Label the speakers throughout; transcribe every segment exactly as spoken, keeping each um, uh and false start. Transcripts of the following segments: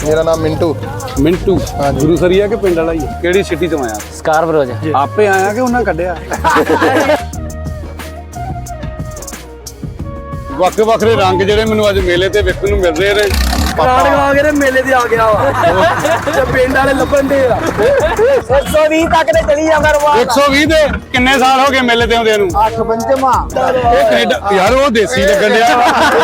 Speaker 1: मेरा नाम मिंटू।
Speaker 2: मिंटू गुरु सरिया के पिंड वाला ही केड़ी सिटी तो आया?
Speaker 3: स्कारब्रो
Speaker 2: आपे आया कि उन्हें कढ़िया? ਵੱਖ ਵੱਖਰੇ ਰੰਗ ਜਿਹੜੇ ਮੈਨੂੰ ਅੱਜ ਮੇਲੇ ਤੇ ਵੇਖਣ ਨੂੰ ਮਿਲ ਰਹੇ ਨੇ।
Speaker 3: ਕਾਰਡ ਲਾ ਕੇ ਮੇਲੇ ਤੇ ਆ ਗਿਆ ਵਾ ਤੇ ਪਿੰਡ ਵਾਲੇ ਲੱਭਣ ਦੇ ਆ ਇੱਕ ਸੌ ਵੀਹ ਤੱਕ ਤੇ ਚਲੀ ਜਾਂਦਾ ਰਵਾ
Speaker 2: ਇੱਕ ਸੌ ਵੀਹ ਦੇ ਕਿੰਨੇ ਸਾਲ ਹੋ ਗਏ ਮੇਲੇ ਤੇ ਆਉਂਦੇ ਨੂੰ?
Speaker 3: ਅੱਠ ਪੰਜਵਾਂ
Speaker 2: ਇਹ ਕੈਨੇਡਾ ਯਾਰ ਉਹ ਦੇਸੀ ਲੱਗਣ ਡਿਆ।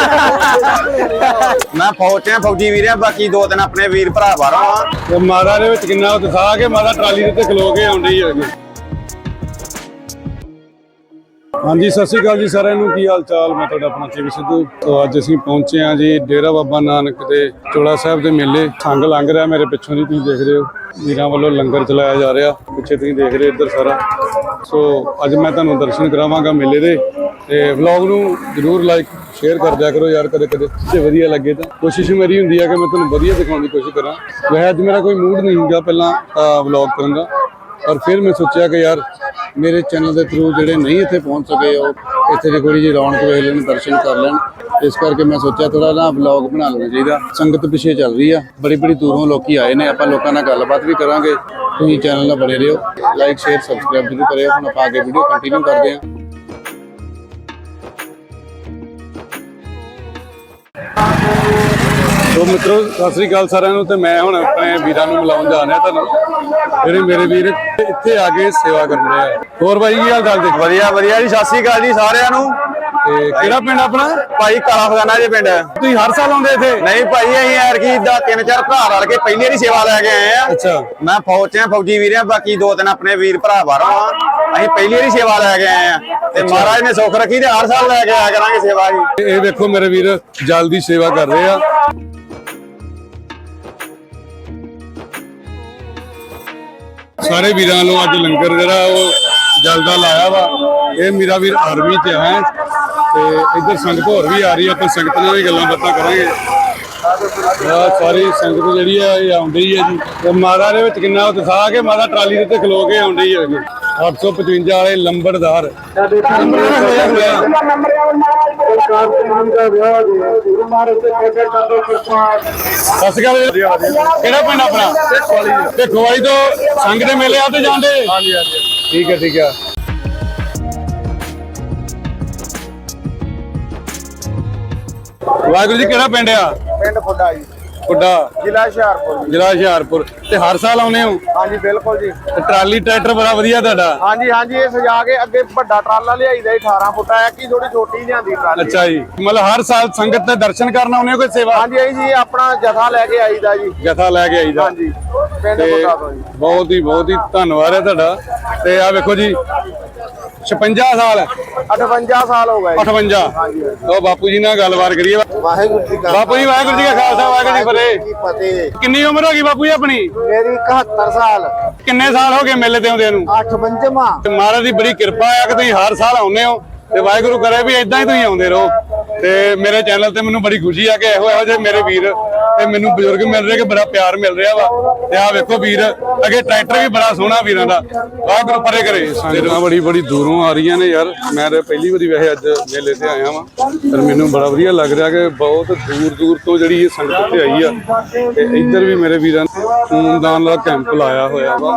Speaker 4: ਮੈਂ ਫੌਜ ਚ ਫੌਜੀ ਵੀਰ ਆ, ਬਾਕੀ ਦੋ ਦਿਨ ਆਪਣੇ ਵੀਰ ਭਰਾ ਬਾਹਰੋਂ ਆ।
Speaker 2: ਤੇ ਮਾਤਾ ਦੇ ਵਿੱਚ ਕਿੰਨਾ ਉਤਸ਼ਾਹ ਕੇ ਮਾਤਾ ਟਰਾਲੀ ਦੇ ਉੱਤੇ ਖਲੋ ਕੇ ਆਉਂਦੀ ਹੈ। ਹਾਂਜੀ ਸਤਿ ਸ਼੍ਰੀ ਅਕਾਲ ਜੀ ਸਾਰਿਆਂ ਨੂੰ, ਕੀ ਹਾਲ ਚਾਲ? ਮੈਂ ਤੁਹਾਡਾ ਆਪਣਾ ਚੇਵੀ ਸਿੱਧੂ। ਤੋਂ ਅੱਜ ਅਸੀਂ ਪਹੁੰਚੇ ਹਾਂ ਜੀ ਡੇਰਾ ਬਾਬਾ ਨਾਨਕ ਦੇ ਚੋਲਾ ਸਾਹਿਬ ਦੇ ਮੇਲੇ। ਸੰਗ ਲੰਘ ਰਿਹਾ ਮੇਰੇ ਪਿੱਛੋਂ ਦੀ, ਤੁਸੀਂ ਦੇਖ ਰਹੇ ਹੋ ਵੀਰਾਂ ਵੱਲੋਂ ਲੰਗਰ ਚਲਾਇਆ ਜਾ ਰਿਹਾ। ਪਿੱਛੇ ਤੁਸੀਂ ਦੇਖ ਰਹੇ ਇੱਧਰ ਸਾਰਾ। ਸੋ ਅੱਜ ਮੈਂ ਤੁਹਾਨੂੰ ਦਰਸ਼ਨ ਕਰਾਵਾਂਗਾ ਮੇਲੇ ਦੇ, ਤੇ ਵਲੌਗ ਨੂੰ ਜ਼ਰੂਰ ਲਾਈਕ ਸ਼ੇਅਰ ਕਰ ਦਿਆ ਕਰੋ ਯਾਰ, ਕਦੇ ਕਦੇ ਜੇ ਵਧੀਆ ਲੱਗੇ ਤਾਂ। ਕੋਸ਼ਿਸ਼ ਮੇਰੀ ਹੁੰਦੀ ਹੈ ਕਿ ਮੈਂ ਤੁਹਾਨੂੰ ਵਧੀਆ ਦਿਖਾਉਣ ਦੀ ਕੋਸ਼ਿਸ਼ ਕਰਾਂ। ਵੈਸੇ ਅੱਜ ਮੇਰਾ ਕੋਈ ਮੂਡ ਨਹੀਂ ਹੁੰਦਾ ਪਹਿਲਾਂ ਵਲੌਗ ਕਰਨ ਦਾ, ਪਰ ਫਿਰ ਮੈਂ ਸੋਚਿਆ ਕਿ ਯਾਰ ਮੇਰੇ ਚੈਨਲ ਦੇ ਥਰੂ ਜਿਹੜੇ ਨਹੀਂ ਇੱਥੇ ਪਹੁੰਚ ਸਕੇ ਉਹ ਇੱਥੇ ਦੀ ਥੋੜੀ ਜਿਹੀ ਰੌਣਕ ਵੇਖ ਲੈਣ, ਦਰਸ਼ਨ ਕਰ ਲੈਣ। ਇਸ ਕਰਕੇ ਮੈਂ ਸੋਚਿਆ ਥੋੜਾ ਨਾ ਵਲੌਗ ਬਣਾ ਲੈਣਾ ਚਾਹੀਦਾ। ਸੰਗਤ ਪਿੱਛੇ ਚੱਲ ਰਹੀ ਆ, ਬੜੀ ਬੜੀ ਦੂਰੋਂ ਲੋਕੀ ਆਏ ਨੇ। ਆਪਾਂ ਲੋਕਾਂ ਨਾਲ ਗੱਲਬਾਤ ਵੀ ਕਰਾਂਗੇ। ਤੁਸੀਂ ਚੈਨਲ ਨਾਲ ਬਣੇ ਰਹੋ, ਲਾਈਕ ਸ਼ੇਅਰ ਸਬਸਕ੍ਰਾਈਬ ਜ਼ਰੂਰ ਕਰਿਓ। ਹੁਣ ਆਪਾਂ ਅੱਗੇ ਵੀਡੀਓ ਕੰਟੀਨਿਊ ਕਰਦੇ ਹਾਂ। ਸੋ ਮਿੱਤਰੋ ਸਤਿ ਸ੍ਰੀ ਅਕਾਲ ਸਾਰਿਆਂ ਨੂੰ। ਤੇ ਮੈਂ ਹੁਣ ਆਪਣੇ ਵੀਰਾਂ ਨੂੰ ਮਿਲਾਉਣ ਜਾ ਰਿਹਾ ਤੁਹਾਨੂੰ, ਜਿਹੜੇ ਮੇਰੇ ਵੀਰ ਇੱਥੇ ਆ ਕੇ ਸੇਵਾ ਕਰਨ ਰਹੇ ਆ। ਹੋਰ ਬਾਈ ਕੀ ਹਾਲ ਚਾਲ? ਦੇਖ
Speaker 4: ਵਧੀਆ ਵਧੀਆ ਜੀ, ਸਤਿ ਸ੍ਰੀ ਅਕਾਲ ਜੀ ਸਾਰਿਆਂ ਨੂੰ।
Speaker 2: ਤੇ ਕਿਹੜਾ ਪਿੰਡ ਆਪਣਾ?
Speaker 4: ਭਾਈ ਕਾਲਾ ਖਜ਼ਾਨਾ ਜੀ ਪਿੰਡ।
Speaker 2: ਤੁਸੀਂ ਹਰ ਸਾਲ ਆਉਂਦੇ ਇੱਥੇ?
Speaker 4: ਨਹੀਂ ਭਾਈ, ਅਸੀਂ ਐਰਕੀ ਦਾ ਤਿੰਨ ਚਾਰ ਭਰਾ ਰਲ ਕੇ ਪਹਿਲੀ ਵਾਰੀ ਸੇਵਾ ਲੈ ਕੇ ਆਏ ਆ।
Speaker 2: ਅੱਛਾ।
Speaker 4: ਮੈਂ ਫੌਜ ਚ ਫੌਜੀ ਵੀਰ ਆ, ਬਾਕੀ ਦੋ ਦਿਨ ਆਪਣੇ ਵੀਰ ਭਰਾ ਬਾਹਰੋਂ ਆ। ਅਸੀਂ ਪਹਿਲੀ ਵਾਰੀ ਸੇਵਾ ਲੈ ਕੇ ਆਏ ਆ, ਤੇ ਮਹਾਰਾਜ ਨੇ ਸੁੱਖ ਰੱਖੀ ਤੇ ਹਰ ਸਾਲ ਲੈ ਕੇ ਆਇਆ ਕਰਾਂਗੇ ਸੇਵਾ ਜੀ।
Speaker 2: ਇਹ ਵੇਖੋ ਮੇਰੇ ਵੀਰ ਜਲ ਦੀ ਸੇਵਾ ਕਰ ਰਹੇ ਆ। ਸਾਰੇ ਵੀਰਾਂ ਨੂੰ ਅੱਜ ਲੰਗਰ ਜਿਹੜਾ ਉਹ ਜਲ ਦਾ ਲਾਇਆ ਵਾ। ਇਹ ਮੇਰਾ ਵੀਰ ਆਰਮੀ ਚ ਹੈ, ਤੇ ਇੱਧਰ ਸੰਗਤ ਹੋਰ ਵੀ ਆ ਰਹੀ ਆ। ਆਪਾਂ ਸੰਗਤ ਨਾਲ ਵੀ ਗੱਲਾਂ ਬਾਤਾਂ ਕਰਾਂਗੇ। ਆਹ ਸਾਰੀ ਸੰਗਤ ਜਿਹੜੀ ਆ ਇਹ ਆਉਂਦੀ ਹੈ ਜੀ। ਤੇ ਮਾਤਾ ਦੇ ਵਿੱਚ ਕਿੰਨਾ ਉਤਸ਼ਾਹ ਕੇ ਮਾਤਾ ਟਰਾਲੀ ਦੇ ਉੱਤੇ ਖਲੋ ਕੇ ਆਉਂਦੀ ਹੈ ਜੀ। ਅੱਠ ਸੌ ਪਚਵੰਜਾ ਵਾਲੇ ਲੰਬੜਦਾਰ। ਸਤਿ ਸ਼੍ਰੀ ਅਕਾਲ। ਕਿਹੜਾ ਪਿੰਡ ਆਪਣਾ? ਭਿੱਖੋਵਾਲੀ ਤੋਂ ਸੰਗ ਦੇ ਮੇਲੇ ਆ ਤੇ ਜਾਂਦੇ? ਹਾਂਜੀ ਹਾਂਜੀ। ਠੀਕ ਹੈ ਠੀਕ ਹੈ। ਵਾਹਿਗੁਰੂ ਜੀ, ਕਿਹੜਾ ਪਿੰਡ ਆ?
Speaker 4: ਪਿੰਡ ਫੁੱਡਾ ਜੀ,
Speaker 2: ਫੁੱਡਾ,
Speaker 4: ਜ਼ਿਲ੍ਹਾ ਹੁਸ਼ਿਆਰਪੁਰ।
Speaker 2: ਜ਼ਿਲ੍ਹਾ ਹੁਸ਼ਿਆਰਪੁਰ। ਤੇ ਹਰ ਸਾਲ ਆਉਨੇ ਹੋ?
Speaker 4: ਹਾਂਜੀ ਬਿਲਕੁਲ ਜੀ।
Speaker 2: ਤੇ ਟਰਾਲੀ ਟਰੈਕਟਰ ਬੜਾ ਵਧੀਆ ਤੁਹਾਡਾ।
Speaker 4: ਹਾਂਜੀ ਹਾਂਜੀ, ਇਹ ਸਜਾ ਕੇ ਅੱਗੇ ਵੱਡਾ ਟਰਾਲਾ ਲਿਆਈਦਾ ਅਠਾਰਾਂ ਫੁੱਟਾ ਹੈ, ਕਿ ਥੋੜੀ ਛੋਟੀ ਲਿਆਂਦੀ ਟਰਾਲੀ।
Speaker 2: ਅੱਛਾ ਜੀ, ਮਤਲਬ ਹਰ ਸਾਲ ਸੰਗਤ ਦੇ ਦਰਸ਼ਨ ਕਰਨ ਆਉਨੇ ਹੋ ਕੋਈ ਸੇਵਾ?
Speaker 4: ਹਾਂਜੀ ਹਾਂਜੀ ਜੀ, ਆਪਣਾ ਜਥਾ ਲੈ ਕੇ ਆਈਦਾ ਜੀ।
Speaker 2: ਜਥਾ ਲੈ ਕੇ ਆਈਦਾ।
Speaker 4: ਹਾਂਜੀ ਪਿੰਡ
Speaker 2: ਤੇ
Speaker 4: ਫੁੱਡਾ ਤੋਂ ਜੀ।
Speaker 2: ਬਹੁਤ ਹੀ ਬਹੁਤ ਹੀ ਧੰਨਵਾਦ ਹੈ ਤੁਹਾਡਾ। ਤੇ ਆ ਵੇਖੋ ਜੀ ਛਪੰਜਾ ਸਾਲ
Speaker 4: ਅਠਵੰਜਾ ਸਾਲ ਹੋ ਗਏ।
Speaker 2: ਅਠਵੰਜਾ। ਉਹ ਬਾਪੂ ਜੀ ਨਾਲ ਗੱਲਬਾਤ ਕਰੀਏ।
Speaker 4: ਵਾਹਿਗੁਰੂ ਜੀ ਕਾ
Speaker 2: ਬਾਪੂ ਜੀ ਵਾਹਿਗੁਰੂ ਜੀ ਕਾ ਖਾਲਸਾ ਵਾਹਿਗੁਰੂ ਜੀ ਫਤਿਹ।
Speaker 4: ਕੀ ਫਤਿਹ।
Speaker 2: ਕਿੰਨੀ ਉਮਰ ਹੋ ਗਈ ਬਾਪੂ ਜੀ ਆਪਣੀ?
Speaker 4: ਮੇਰੀ ਇਕਹੱਤਰ ਸਾਲ।
Speaker 2: ਕਿੰਨੇ ਸਾਲ ਹੋ ਗਏ ਮੇਲੇ ਤੇ ਆਉਂਦੇ ਨੂੰ?
Speaker 4: ਅੱਠ ਪੰਜਵਾਂ।
Speaker 2: ਤੇ ਮਹਾਰਾਜ ਦੀ ਬੜੀ ਕਿਰਪਾ ਆ ਕਿ ਤੁਸੀਂ ਹਰ ਸਾਲ ਆਉਂਦੇ ਹੋ, ਤੇ ਵਾਹਿਗੁਰੂ ਕਰੇ ਵੀ ਇਦਾਂ ਹੀ ਤੁਸੀਂ ਆਉਂਦੇ ਰਹੋ। ਤੇ ਮੇਰੇ ਚੈਨਲ ਤੇ ਮੈਨੂੰ ਬੜੀ ਖੁਸ਼ੀ ਆ ਕਿ ਇਹੋ ਇਹੋ ਜਿਹੇ ਮੇਰੇ ਵੀਰ ਤੇ ਮੈਨੂੰ ਬਜ਼ੁਰਗ ਮਿਲ ਰਹੇ, ਕਿ ਬੜਾ ਪਿਆਰ ਮਿਲ ਰਿਹਾ ਵਾ। ਤੇ ਆਹ ਵੇਖੋ ਵੀਰ ਅੱਗੇ ਟਰੈਕਟਰ ਵੀ ਬੜਾ ਸੋਹਣਾ ਵੀਰਾਂ ਦਾ। ਵਾਹਿਗੁਰੂ ਪਰੇ ਕਰੇ। ਸੰਗਤਾਂ ਬੜੀ ਬੜੀ ਦੂਰੋਂ ਆ ਰਹੀਆਂ ਨੇ ਯਾਰ। ਮੈਂ ਤਾਂ ਪਹਿਲੀ ਵਾਰੀ ਵੈਸੇ ਅੱਜ ਮੇਲੇ ਤੇ ਆਇਆ ਵਾਂ, ਪਰ ਮੈਨੂੰ ਬੜਾ ਵਧੀਆ ਲੱਗ ਰਿਹਾ ਕਿ ਬਹੁਤ ਦੂਰ ਦੂਰ ਤੋਂ ਜਿਹੜੀ ਇਹ ਸੰਗਤ ਤੇ ਆਈ ਆ। ਤੇ ਇੱਧਰ ਵੀ ਮੇਰੇ ਵੀਰਾਂ ਨੇ ਖੂਨਦਾਨ ਦਾ ਕੈਂਪ ਲਾਇਆ ਹੋਇਆ ਵਾ।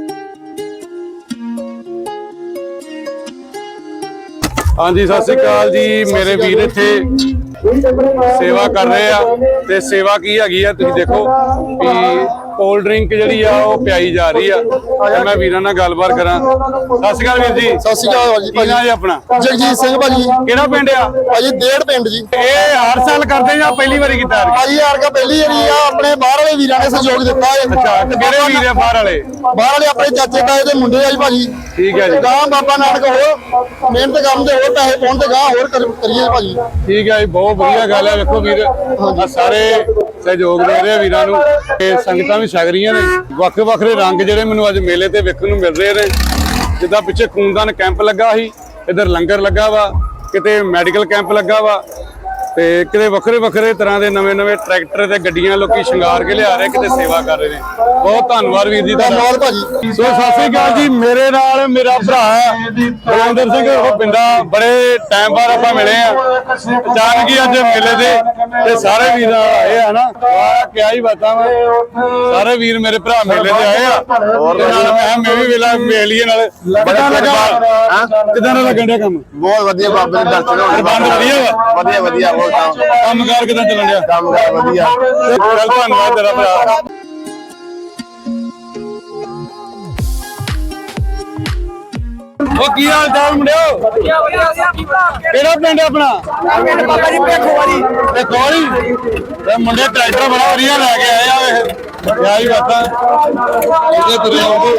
Speaker 2: ਹਾਂਜੀ ਸਤਿ ਸ੍ਰੀ ਅਕਾਲ ਜੀ। ਮੇਰੇ ਵੀਰ ਇੱਥੇ ਸੇਵਾ ਕਰ ਰਹੇ ਆ। ਤੇ ਸੇਵਾ ਕੀ ਹੈਗੀ ਆ ਤੁਸੀਂ ਦੇਖੋ ਵੀ ਕੋਲਡ ਡਰਿੰਕ ਜਿਹੜੀ ਆ ਉਹ ਪਿਆਈ ਜਾ ਰਹੀ ਆ। ਤੇ ਮੈਂ ਵੀਰਾਂ ਨਾਲ ਗੱਲਬਾਤ ਕਰਾਂ। ਸਤਿ ਸ਼੍ਰੀ ਅਕਾਲ ਵੀਰ ਜੀ।
Speaker 5: ਸਤਿ ਸ਼੍ਰੀ ਅਕਾਲ ਜੀ।
Speaker 2: ਕੀ ਨਾਂ ਜੀ ਆਪਣਾ?
Speaker 5: ਜਗਜੀਤ ਸਿੰਘ ਭਾਜੀ।
Speaker 2: ਕਿਹੜਾ ਪਿੰਡ ਆ?
Speaker 5: ਭਾਜੀ ਡੇਢ ਪਿੰਡ ਜੀ।
Speaker 2: ਇਹ ਹਰ ਸਾਲ ਕਰਦੇ ਜਾਂ ਪਹਿਲੀ ਵਾਰੀ ਕੀਤਾ?
Speaker 5: ਭਾਜੀ ਯਾਰ ਕਾ ਪਹਿਲੀ ਵਾਰੀ ਆ। ਆਪਣੇ ਬਾਹਰ ਵਾਲੇ ਵੀਰਾਂ ਨੇ ਸਹਿਯੋਗ ਦਿੱਤਾ ਹੈ।
Speaker 2: ਅੱਛਾ, ਤੇ ਕਿਹੜੇ ਵੀਰ ਆ ਬਾਹਰ ਵਾਲੇ?
Speaker 5: ਬਾਹਰ ਵਾਲੇ ਆਪਣੇ ਚਾਚੇ ਤਾਏ ਦੇ ਮੁੰਡੇ ਆ ਜੀ ਭਾਜੀ।
Speaker 2: ਠੀਕ ਹੈ ਜੀ।
Speaker 5: ਗਾਂ ਬਾਬਾ ਨਾਨਕ ਹੋਰ ਮਿਹਨਤ ਕਰਨ ਦੇ ਹੋਰ ਪੈਸੇ ਪਾਉਣ ਤੇ ਗਾਂ ਹੋਰ ਕਰੀਏ ਭਾਜੀ।
Speaker 2: ਠੀਕ ਹੈ ਜੀ, ਬਹੁਤ ਵਧੀਆ ਗੱਲ ਹੈ। ਵੇਖੋ ਵੀਰ ਆ ਸਾਰੇ ਸਹਿਯੋਗ ਦੇ ਰਹੇ ਵੀਰਾਂ ਨੂੰ, ਤੇ ਸੰਗਤਾਂ ਵੀ ਛਕ ਰਹੀਆਂ ਨੇ। ਵੱਖ ਵੱਖਰੇ ਰੰਗ ਜਿਹੜੇ ਮੈਨੂੰ ਅੱਜ ਮੇਲੇ ਤੇ ਵੇਖਣ ਨੂੰ ਮਿਲ ਰਹੇ ਨੇ। ਜਿੱਦਾਂ ਪਿੱਛੇ ਖੂਨਦਾਨ ਕੈਂਪ ਲੱਗਾ ਸੀ, ਇੱਧਰ ਲੰਗਰ ਲੱਗਾ ਵਾ, ਕਿਤੇ ਮੈਡੀਕਲ ਕੈਂਪ ਲੱਗਾ ਵਾ, ਤੇ ਕਿਤੇ ਵੱਖਰੇ ਵੱਖਰੇ ਤਰ੍ਹਾਂ ਦੇ ਨਵੇਂ ਨਵੇਂ ਟਰੈਕਟਰ ਤੇ ਗੱਡੀਆਂ ਲੋਕੀ ਸ਼ਿੰਗਾਰ ਕੇ ਲਿਆ ਰਹੇ, ਕਿਤੇ ਸੇਵਾ ਕਰ ਰਹੇ ਨੇ। ਬਹੁਤ ਧੰਨਵਾਦ ਵੀਰ ਜੀ ਤੁਹਾਡਾ।
Speaker 5: ਧੰਨਵਾਦ ਭਾਜੀ।
Speaker 2: ਸੋ ਸਤਿ ਸ੍ਰੀ ਅਕਾਲ ਜੀ। ਮੇਰੇ ਨਾਲ ਮੇਰਾ ਭਰਾ ਬਲਵਿੰਦਰ ਸਿੰਘ ਉਹ ਪਿੰਡਾ, ਬੜੇ ਟਾਈਮ ਬਾਅਦ ਆਪਾਂ ਮਿਲੇ ਆ ਅਚਾਨਕ ਹੀ ਅੱਜ ਮੇਲੇ ਦੇ ਤੇ ਸਾਰੇ ਵੀਰ ਆਏ ਆ ਨਾ। ਵਾਹ ਕਿਆ ਹੀ ਬਾਤਾਂ ਵਾ, ਸਾਰੇ ਵੀਰ ਮੇਰੇ ਭਰਾ ਮੇਲੇ ਤੇ ਆਏ ਆ। ਤੇ ਨਾਲ ਮੈਂ ਮੈਂ ਵੀ ਵੇਲਾ ਮੇਲੀਏ ਨਾਲ ਕਿਦਾਂ ਲੱਗਾ ਹਾਂ ਕਿਦਾਂ ਦਾ ਲੱਗਣ ਡਿਆ ਕੰਮ?
Speaker 4: ਬਹੁਤ ਵਧੀਆ ਬਾਬੇ ਦੇ ਦਰਸ਼ਨ ਹੋਣੇ।
Speaker 2: ਬੰਦ ਵਧੀਆ ਵਾ,
Speaker 4: ਵਧੀਆ ਵਧੀਆ ਬਹੁਤ
Speaker 2: ਕੰਮਕਾਰ ਕਿਦਾਂ ਚੱਲਣ ਡਿਆ?
Speaker 4: ਕੰਮ ਕਰ ਵਧੀਆ।
Speaker 2: ਚੱਲ ਧੰਨਵਾਦ ਤੇਰਾ ਭਰਾ। ਉਹ ਕੀ ਹਾਲ ਚਾਲ ਮੁੰਡਿਓ? ਕਿਹੜਾ ਪਿੰਡ ਹੈ ਆਪਣਾ?
Speaker 3: ਬਾਬਾ ਜੀ ਭੇਖੋ ਵਾਲੀ
Speaker 2: ਤੇ ਕੋਲੀ ਤੇ ਮੁੰਡੇ ਟਰੈਕਟਰ ਬੜਾ ਵਧੀਆ ਲੈ ਕੇ ਆਏ ਆ। ਵੇਖ ਕਿਆ ਹੀ ਬਾਤਾਂ ਇਹਦੇ ਤੁਰੇ ਆਉਂਦੇ।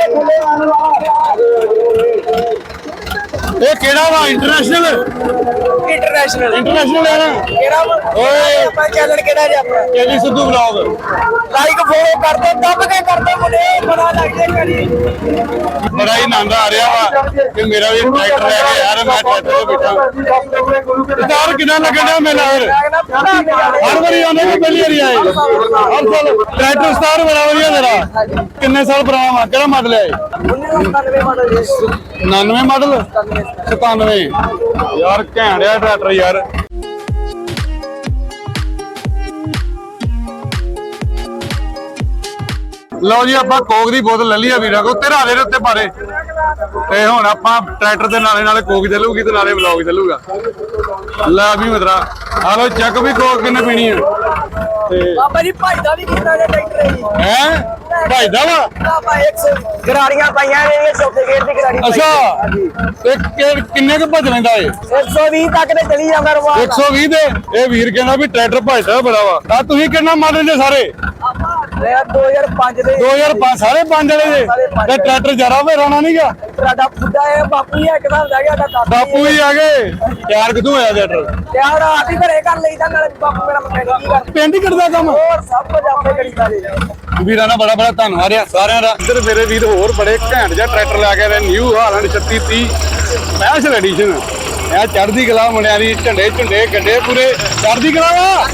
Speaker 2: ਇਹ ਕਿਹੜਾ ਵਾ? ਇੰਟਰਨੈਸ਼ਨਲ
Speaker 3: ਇੰਟਰਨੈਸ਼ਨਲ
Speaker 2: ਇੰਟਰਨੈਸ਼ਨਲ ਹੈ ਨਾ?
Speaker 3: ਕਿਹੜਾ
Speaker 2: ਓਏ
Speaker 3: ਆਪਾਂ ਚੈਨਲ ਕਿਹੜਾ ਜੀ ਆਪਣਾ?
Speaker 2: KV Sidhu vlog.
Speaker 3: Like follow ਕਰ ਦੋ, ਦੱਬ ਕੇ ਕਰ ਦੋ ਮੁੰਡੇ, ਬੜਾ ਲੱਗ ਜੇ ਕਰੀ।
Speaker 2: ਬੜਾ ਹੀ ਆਨੰਦ ਆ ਰਿਹਾ ਵਾ ਕਿ ਮੇਰਾ ਵੀ ਟਰੈਕਟਰ ਲੈ ਕੇ ਯਾਰ ਮੈਂ ਟਰੈਕਟਰ ਤੇ ਬੈਠਾ। ਯਾਰ ਕਿੰਨਾ ਲੱਗਣ ਡਿਆ ਮੇਲਾ ਫਿਰ? ਹਰ ਵਾਰੀ ਆਉਂਦੇ ਕਿ ਪਹਿਲੀ ਵਾਰੀ ਆਏ? ਹਰ ਸਾਲ ਟਰੈਕਟਰ ਸਟਾਰ ਬੜਾ ਵਧੀਆ ਤੇਰਾ। ਕਿੰਨੇ ਸਾਲ ਪੁਰਾਣਾ ਵਾ? ਕਿਹੜਾ ਮਾਡਲ ਹੈ?
Speaker 3: ਉਨਾਨਵੇਂ ਮਾਡਲ ਜੀ।
Speaker 2: ਉਨਾਨਵੇਂ ਮਾਡਲ ਸਤਾਨਵੇਂ। ਯਾਰ ਘੈਂਟ ਆ ਟਰੈਕਟਰ ਯਾਰ। ਲਓ ਜੀ ਆਪਾਂ ਕੋਕ ਦੀ ਬੋਤਲ ਲੈ ਲਈ ਆ ਵੀਰਾਂ ਕੋ, ਤੇਰਾ ਦੇ ਉੱਤੇ ਪਾਰੇ। ਤੇ ਹੁਣ ਆਪਾਂ ਟਰੈਕਟਰ ਦੇ ਨਾਲੇ ਨਾਲੇ ਕੋਕ ਚੱਲੂਗੀ ਤੇ ਨਾਲੇ ਵਲੌਗ ਚੱਲੂਗਾ। ਲੈ ਵੀ ਮਤਰਾ ਆ ਲੋ ਚੱਕ ਵੀ ਕੋਕ ਕਿੰਨੇ ਪੀਣੀ ਆ। ਤੇ
Speaker 3: ਬਾਬਾ ਜੀ ਭਾਈ ਦਾ ਵੀ ਕੀਤਾ ਜੇ ਟਰੈਕਟਰ ਜੀ।
Speaker 2: ਹੈ ਭਾਈ ਦਾ ਵਾ?
Speaker 3: ਬਾਬਾ ਇੱਕ ਸੌ ਗਰਾਰੀਆਂ ਪਾਈਆਂ ਨੇ, ਇਹ ਚੌਥੇ ਗੇਟ ਦੀ ਗਰਾਰੀ ਪਾਈ।
Speaker 2: ਅੱਛਾ ਤੇ ਕਿ- ਕਿੰਨੇ ਕੁ ਭੱਜ ਲੈਂਦਾ ਏ?
Speaker 3: ਇੱਕ ਸੌ ਵੀਹ ਤੱਕ ਤੇ ਚਲੀ ਜਾਂਦਾ ਰਵਾ।
Speaker 2: ਇੱਕ ਸੌ ਵੀਹ ਦੇ। ਇਹ ਵੀਰ ਕਹਿੰਦਾ ਵੀ ਟਰੈਕਟਰ ਭੱਜਦਾ ਬੜਾ ਵਾ। ਆ ਤੁਸੀਂ ਕਿੰਨਾ ਮਾਡਲ ਜੇ ਸਾਰੇ?
Speaker 3: ਮੈਂ ਦੋ ਹਜ਼ਾਰ ਪੰਜ ਦੇ
Speaker 2: ਦੋ ਹਜ਼ਾਰ ਪੰਜ ਸਾਰੇ ਪੰਜ ਵਾਲੇ ਜੇ। ਤੇ ਟਰੈਕਟਰ ਜਰਾ ਵੇ ਰਾਣਾ ਨਹੀਂਗਾ।
Speaker 3: ਸਾਡਾ ਬੁੱਢਾ ਹੈ ਬਾਪੂ ਹੀ ਇੱਕ ਦਾ ਗਿਆ ਸਾਡਾ
Speaker 2: ਬਾਪੂ ਹੀ ਆ ਗਏ। ਤਿਆਰ ਕਿੱਥੋਂ ਹੋਇਆ ਟਰੈਕਟਰ?
Speaker 3: ਯਾਰ ਆਪ ਹੀ ਘਰੇ ਕਰ ਲਈਦਾ, ਨਾਲੇ ਬਾਪੂ ਮੇਰਾ ਮਕੈਨਿਕ ਹੀ ਕਰ
Speaker 2: ਪਿੰਡ ਹੀ ਕਰਦਾ ਕੰਮ।
Speaker 3: ਹੋਰ ਸਭ ਕੁਝ ਆਪੇ ਕਰੀਦਾ ਜੀ।
Speaker 2: ਵੀਰਾਂ ਦਾ ਬੜਾ ਬੜਾ ਧੰਨਵਾਦ ਆ ਸਾਰਿਆਂ ਦਾ। ਇੱਧਰ ਮੇਰੇ ਵੀਰ ਹੋਰ ਬੜੇ ਘੈਂਟ ਜਿਹਾ ਟਰੈਕਟਰ ਲੈ ਕੇ ਆਏ। ਨਿਊ ਹਾਲੈਂਡ ਛੱਤੀ ਤੀਹ ਸਪੈਸ਼ਲ ਐਡੀਸ਼ਨ। ਇਹ ਚੜ੍ਹਦੀ ਕਲਾ ਮੁੰਡਿਆਂ ਦੀ, ਝੰਡੇ ਝੁੰਡੇ ਗੱਡੇ ਪੂਰੇ ਚੜ੍ਹਦੀ ਕਲਾ ਵਾ।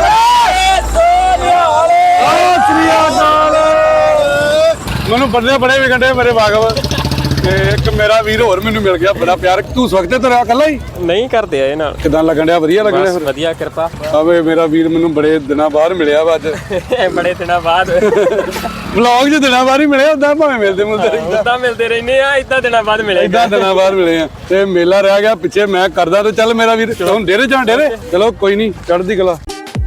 Speaker 2: ਸ੍ਰੀ ਅਕਾਲ। ਮੈਨੂੰ ਬੜੇ ਬੜੇ ਵਿਕੰਡੇ ਮੇਰੇ ਵਾਗਵ। ਤੇ ਇੱਕ ਮੇਰਾ ਵੀਰ ਹੋਰ ਮੈਨੂੰ ਮਿਲ ਗਿਆ, ਬੜਾ ਪਿਆਰ। ਤੂੰ ਸਵਖਤੇ ਤੁਰਿਆ ਇਕੱਲਾ ਹੀ?
Speaker 1: ਨਹੀਂ ਕਰਦੇ ਆ ਇਹ ਨਾਲ।
Speaker 2: ਕਿਦਾਂ ਲੱਗਣ ਡਿਆ? ਵਧੀਆ ਲੱਗਣ ਡਿਆ
Speaker 1: ਬਸ
Speaker 2: ਫਿਰ?
Speaker 1: ਵਧੀਆ ਕਿਰਪਾ।
Speaker 2: ਆਵੇ ਮੇਰਾ ਵੀਰ ਮੈਨੂੰ ਬੜੇ ਦਿਨਾਂ ਬਾਅਦ ਮਿਲਿਆ ਵਾ ਅੱਜ।
Speaker 1: ਬੜੇ ਦਿਨਾਂ ਬਾਅਦ
Speaker 2: ਵਲੌਗ 'ਚ ਦਿਨਾਂ ਬਾਅਦ ਹੀ ਮਿਲਿਆ, ਉਦਾਂ ਭਾਵੇਂ ਮਿਲਦੇ ਮੁਲਦੇ ਰਹਿੰਦਾ।
Speaker 1: ਉਦਾਂ ਮਿਲਦੇ ਰਹਿੰਦੇ ਆ, ਇਦਾਂ ਦਿਨਾਂ ਬਾਅਦ ਮਿਲੇ।
Speaker 2: ਇਦਾਂ ਦਿਨਾਂ ਬਾਅਦ ਮਿਲੇ ਆ ਤੇ ਮੇਲਾ ਰਹਿ ਗਿਆ ਪਿੱਛੇ। ਮੈਂ ਕਰਦਾ ਤੇ ਚੱਲ ਮੇਰਾ ਵੀਰ ਹੁਣ ਡੇਰੇ ਜਾਂ ਡੇਰੇ ਚਲੋ ਕੋਈ ਨਹੀਂ, ਚੜ੍ਹਦੀ ਕਲਾ।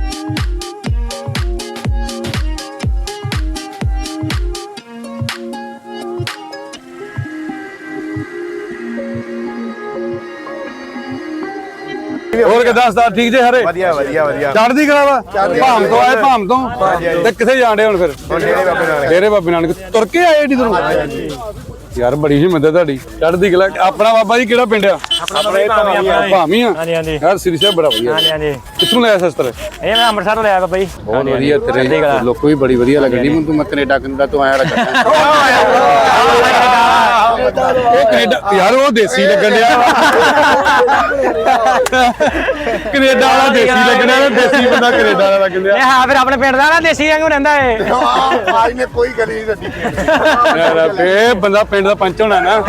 Speaker 2: ਹੋਰ ਕਿਦਾਂ ਸਤਾਰ ਠੀਕ ਜੇ ਹਰੇ?
Speaker 4: ਵਧੀਆ ਵਧੀਆ ਵਧੀਆ।
Speaker 2: ਚੜ੍ਹਦੀ ਕਲਾ ਵਾ। ਭਾਮ ਤੋਂ ਆਏ, ਭਾਮ ਤੋਂ ਤੇ ਕਿੱਥੇ ਜਾਣ ਡੇ ਹੁਣ ਫਿਰ? ਡੇਰੇ ਬਾਬੇ ਨਾਨਕ ਤੁਰ ਕੇ ਆਏ ਏਡੀ ਦੂਰੋਂ? ਯਾਰ ਬੜੀ ਹਿੰਮਤ ਹੈ ਤੁਹਾਡੀ। ਚੜ੍ਹਦੀ ਕਲਾ। ਆਪਣਾ ਬਾਬਾ ਜੀ ਕਿਹੜਾ ਪਿੰਡ ਆ? ਭਾਮੀ ਆ।
Speaker 1: ਹਾਂਜੀ ਹਾਂਜੀ
Speaker 2: ਯਾਰ ਸ੍ਰੀ ਸਾਹਿਬ ਬੜਾ ਵਧੀਆ।
Speaker 1: ਹਾਂਜੀ ਹਾਂਜੀ।
Speaker 2: ਕਿੱਥੋਂ ਲਿਆ ਸ਼ਸਤਰ?
Speaker 1: ਇਹ ਮੈਂ ਅੰਮ੍ਰਿਤਸਰ ਲਿਆ ਬਾਬਾ ਜੀ।
Speaker 2: ਬਹੁਤ ਵਧੀਆ। ਤੇਰੇ ਲੋਕ ਵੀ ਬੜੀ ਵਧੀਆ ਲੱਗਦੀ ਮੈਨੂੰ। ਤੂੰ ਮੈਂ ਕੈਨੇਡਾ ਕੈਨੇਡਾ ਤੋਂ ਆਇਆ ਲੱਗਾ। ਉਹ ਕੈਨੇਡਾ ਯਾਰ ਉਹ ਦੇਸੀ ਲੱਗਣ ਡਿਆ। ਕੈਨੇਡਾ ਵਾਲਾ ਦੇਸੀ ਲੱਗਣ ਡਿਆ, ਦੇਸੀ ਬੰਦਾ ਕੈਨੇਡਾ ਵਾਲਾ ਲੱਗਣ ਡਿਆ।
Speaker 1: ਇਹ ਹਾਂ ਫਿਰ ਆਪਣੇ ਪਿੰਡ ਦਾ ਨਾ ਦੇਸੀ ਵਾਂਗੂ ਰਹਿੰਦਾ ਏ।
Speaker 5: आज ने कोई गली नहीं रखी।
Speaker 2: ਯਾਰ ਇਹ ਬੰਦਾ ਪਿੰਡ ਦਾ ਪੰਚ ਹੋਣਾ ਨਾ।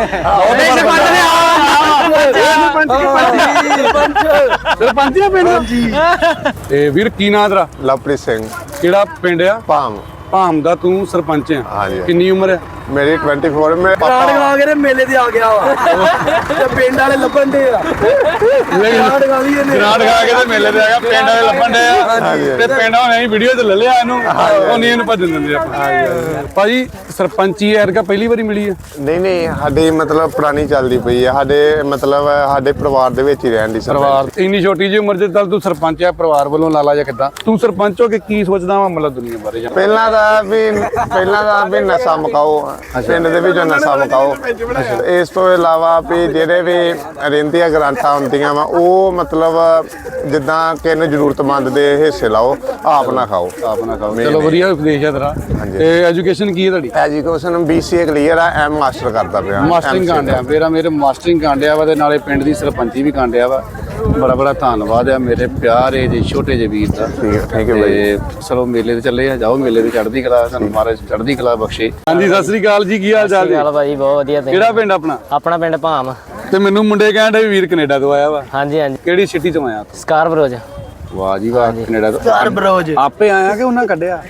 Speaker 2: ਸਰਪੰਚ ਆ ਪਿੰਡ ਦਾ। ਤੇ ਵੀਰ ਕੀ ਨਾਂ ਤੇਰਾ?
Speaker 4: ਲਵਪ੍ਰੀਤ ਸਿੰਘ
Speaker 2: ਕਿਹੜਾ ਪਿੰਡ ਆ?
Speaker 4: ਭਾਮ।
Speaker 2: ਭਾਮ ਦਾ ਤੂੰ ਸਰਪੰਚ ਆ?
Speaker 4: ਹਾਂਜੀ।
Speaker 2: ਕਿੰਨੀ ਉਮਰ ਆ?
Speaker 4: ਮੇਰੀ ਚੌਬੀ ਮੇਰੇ
Speaker 3: ਰਾੜ
Speaker 4: ਪਾਪਾ
Speaker 3: ਗਾ ਕੇ ਮੇਲੇ ਤੇ ਆ ਗਿਆ ਵਾ ਤੇ ਪਿੰਡ ਵਾਲੇ ਲੱਭਣ ਦੇ ਆ। ਰਾੜ ਗਾ ਵੀ ਇਹਨੇ
Speaker 2: ਗਰਾਂਡ ਖਾ ਕੇ ਤੇ ਮੇਲੇ ਤੇ ਆ ਗਿਆ। ਪਿੰਡ ਵਾਲੇ ਲੱਭਣ ਦੇ ਆ ਤੇ ਪਿੰਡ ਵਾਲੇ ਵੀਡੀਓ ਤੇ ਲੈ ਲਿਆ ਇਹਨੂੰ। ਉਹ ਨਹੀਂ ਇਹਨੂੰ ਭੱਜਣ ਦਿੰਦੇ ਆਪਾਂ। ਭਾਜੀ ਸਰਪੰਚੀ ਐਰਕਾ ਪਹਿਲੀ ਵਾਰੀ ਮਿਲੀ ਆ?
Speaker 4: ਨਹੀਂ ਨਹੀਂ ਸਾਡੀ ਮਤਲਬ ਪੁਰਾਣੀ ਚੱਲਦੀ ਪਈ ਹੈ। ਸਾਡੇ ਮਤਲਬ ਸਾਡੇ ਪਰਿਵਾਰ ਦੇ ਵਿੱਚ ਹੀ ਰਹਿਣ ਦੀ
Speaker 2: ਪਰਿਵਾਰ ਇੰਨੀ ਛੋਟੀ ਜਿਹੀ ਉਮਰ 'ਚ ਚੱਲ ਤੂੰ ਸਰਪੰਚ ਆ ਪਰਿਵਾਰ ਵੱਲੋਂ ਲਾਲਾ ਜਾਂ ਕਿੱਦਾਂ? ਤੂੰ ਸਰਪੰਚ ਹੋ ਕੇ ਕੀ ਸੋਚਦਾ ਵਾ ਮਤਲਬ ਦੁਨੀਆ ਬਾਰੇ? ਜਾਂ
Speaker 4: ਪਹਿਲਾਂ ਦਾ ਵੀ ਪਹਿਲਾਂ ਦਾ ਵੀ ਨਸ਼ਾ ਮੁਕਾਓ, ਪਿੰਡ ਦੇ ਵਿੱਚ ਨਸ਼ਾ ਮੁਕਾਓ। ਇਸ ਤੋਂ ਇਲਾਵਾ ਵੀ ਜਿਹੜੇ ਵੀ ਰਹਿੰਦੀਆਂ ਗ੍ਰਾਂਟਾਂ ਹੁੰਦੀਆਂ ਵਾ ਉਹ ਮਤਲਬ ਜਿੱਦਾਂ ਕਿਸੇ ਨੂੰ ਜ਼ਰੂਰਤਮੰਦ ਦੇ ਹਿੱਸੇ ਲਾਓ, ਆਪ ਨਾ ਖਾਓ।
Speaker 2: ਆਪ ਨਾ ਖਾਓ। ਚਲੋ ਵਧੀਆ ਉਪਦੇਸ਼ ਆ ਤੇਰਾ। ਤੇ ਐਜੂਕੇਸ਼ਨ ਕੀ ਹੈ ਤੁਹਾਡੀ?
Speaker 4: ਐਜੂਕੇਸ਼ਨ ਬੀਸੀਏ ਕਲੀਅਰ ਆ, ਐਮ ਮਾਸਟਰ ਕਰਦਾ ਪਿਆ।
Speaker 2: ਮਾਸਟਰਿੰਗ ਕਾਂਡਿਆ ਮੇਰਾ ਮੇਰੇ ਮਾਸਟਰਿੰਗ ਕਾਂਡਿਆ ਵਾ ਤੇ ਨਾਲੇ ਪਿੰਡ ਦੀ ਸਰਪੰਚੀ ਵੀ ਕਾਂਡਿਆ ਵਾ। ਬੜਾ ਬੜਾ ਧੰਨਵਾਦ ਆ ਮੇਰੇ ਪਿਆਰੇ ਜੀ ਛੋਟੇ ਜਿਹੇ ਵੀਰ ਦਾ।
Speaker 4: ਠੀਕ ਹੈ ਥੈਂਕ ਯੂ ਬਾਈ।
Speaker 2: ਤੇ ਚਲੋ ਮੇਲੇ ਤੇ ਚੱਲੇ ਆ, ਜਾਓ ਮੇਲੇ ਤੇ ਚੜ੍ਹਦੀ ਕਲਾ, ਤੁਹਾਨੂੰ ਮਹਾਰਾਜ ਚੜ੍ਹਦੀ ਕਲਾ ਬਖਸ਼ੇ। ਹਾਂਜੀ ਸਤਿ ਸ੍ਰੀ ਅਕਾਲ ਜੀ, ਕੀ ਹਾਲ ਚਾਲ ਜੀ?
Speaker 1: ਚੱਲ ਭਾਈ ਬਹੁਤ ਵਧੀਆ ਤੇ
Speaker 2: ਕਿਹੜਾ ਪਿੰਡ ਆਪਣਾ?
Speaker 1: ਆਪਣਾ ਪਿੰਡ ਭਾਮ।
Speaker 2: ਤੇ ਮੈਨੂੰ ਮੁੰਡੇ ਕਹਿੰਦੇ ਵੀਰ ਕੈਨੇਡਾ ਤੋਂ ਆਇਆ ਵਾ।
Speaker 1: ਹਾਂਜੀ ਹਾਂਜੀ
Speaker 2: ਕਿਹੜੀ ਸਿਟੀ ਤੋਂ ਆਇਆ?
Speaker 1: ਸਕਾਰਬਰੋਜ।
Speaker 2: ਵਾਹ ਜੀ ਵਾਹ, ਕੈਨੇਡਾ ਤੋਂ
Speaker 3: ਘਰ ਬਰੋਜ
Speaker 2: ਆਪੇ ਆਇਆ ਕਿ ਉਹਨਾਂ ਕੱਢਿਆ?